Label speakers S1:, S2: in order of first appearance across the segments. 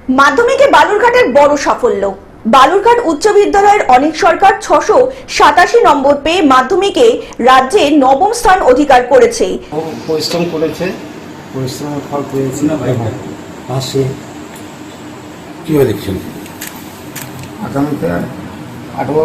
S1: মাধ্যমিকে বালুরঘাটের বড় সাফল্য। বালুরঘাট উচ্চ বিদ্যালয়ের অনিক সরকার 687 নম্বর পেয়ে মাধ্যমিকে রাজ্যে নবম স্থান অধিকার করেছে।
S2: পরিশ্রম করেছে, পরিশ্রমের ফল পেয়েছি না ভাই। পাশে
S3: কীভাবে দেখছেন
S2: আগামীতে আরও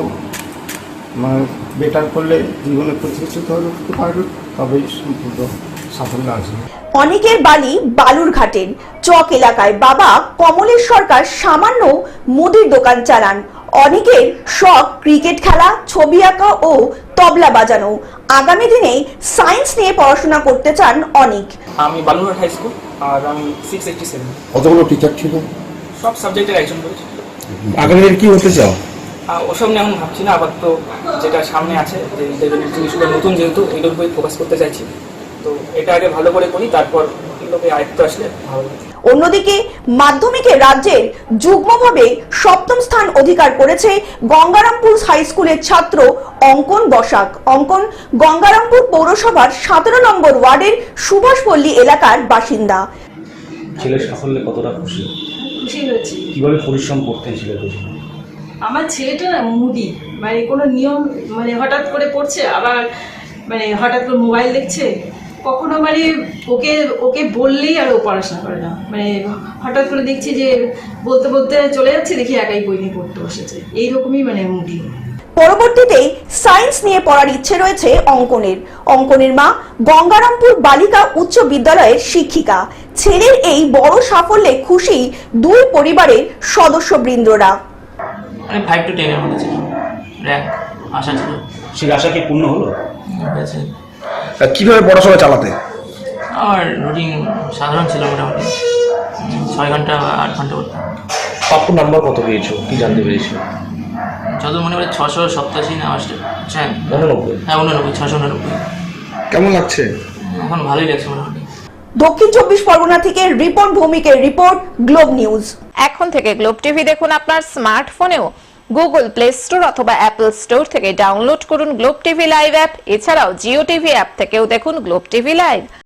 S2: মানে বেটার করলে জীবনে প্রতিষ্ঠিত হতে পারবে, তবেই সম্পূর্ণ সাফল্য আসবে।
S1: অনিকের বাড়ি বালুরঘাটের চক এলাকায়। বাবা কমলেশ সরকার সামান্য মুদির দোকান চালান। অনিকের শখ ক্রিকেট খেলা, ছবি আঁকা ও তবলা বাজানো। আগামী দিনে সায়েন্স নিয়ে পড়াশোনা করতে চান অনিক।
S4: আমি বালুরঘাট হাই স্কুল আর আমি 687।
S3: কতগুলো টিচার ছিল?
S4: সব সাবজেক্টের একজন করেছি।
S3: আগামী দিনে কি হতে চাও?
S4: ওসব নিয়ে এখন ভাবছি না, আপাতত যেটা সামনে আছে যে ইন্টারভিউ জিনিসগুলো নতুন, যেহেতু এগুলোর উপরে ফোকাস করতে চাইছি। তো এটা আগে ভালো করে করি, তারপর এগুলোকে আয়ত্ত আসলে ভালো।
S1: অন্যদিকে মাধ্যমিকে রাজ্যের যুগ্মভাবে সপ্তম স্থান অধিকার করেছে গঙ্গারামপুর হাই স্কুলের ছাত্র অঙ্কন বসাক। অঙ্কন গঙ্গারামপুর পৌরসভার 17 নম্বর ওয়ার্ডের সুভাষপল্লী এলাকার বাসিন্দা।
S5: ছেলের সাফল্যে কতটা খুশি?
S6: খুশি হয়েছি।
S5: কিভাবে পরিশ্রম করতেন ছেলের পেছনে?
S6: আমার ছেলেটা না মুডি, মানে কোনো নিয়ম, মানে হঠাৎ করে পড়ছে, আবার মানে হঠাৎ করে মোবাইল দেখছে, কখনো মানে ওকে ওকে বললেই আর ও পড়াশোনা করে না, মানে হঠাৎ করে দেখছি যে বলতে বলতে চলে যাচ্ছে, দেখি একাই বই নিয়ে পড়তে বসেছে, এইরকমই মানে মুডি।
S1: পরবর্তীতে সায়েন্স নিয়ে পড়ার ইচ্ছে রয়েছে অঙ্কনের। অঙ্কনের মা গঙ্গারামপুর বালিকা উচ্চ বিদ্যালয়ের শিক্ষিকা। ছেলের এই বড় সাফল্যে খুশি দুই পরিবারের সদস্যবৃন্দরা।
S7: আমি 5 to 10 এর মধ্যে ছিল, র্যাঙ্ক আশা ছিল।
S5: সেই আশা কি পূর্ণ হলো?
S7: হয়েছে।
S3: কিভাবে পড়াশোনা চালাতে?
S7: আমার রুটিন সাধারণ ছিল, মোটামুটি 6 ঘন্টা বা 8 ঘন্টা করতাম।
S5: প্রাপ্য নাম্বার কত পেয়েছো, কি জানতে পেরেছো?
S7: যত মনে পড়ে 687 না
S5: 89।
S7: হ্যাঁ 89, 689।
S3: কেমন লাগছে?
S7: এখন ভালোই লাগছে মোটামুটি।
S1: দক্ষিণ 24 পরগনা থেকে রিপন ভৌমিকের রিপোর্ট, গ্লোব নিউজ।
S8: এখন থেকে গ্লোব টিভি দেখুন আপনার স্মার্টফোনেও। গুগল প্লে স্টোর অথবা অ্যাপল স্টোর থেকে ডাউনলোড করুন গ্লোব টিভি লাইভ অ্যাপ। এছাড়াও জিও টিভি অ্যাপ থেকেও দেখুন গ্লোব টিভি লাইভ।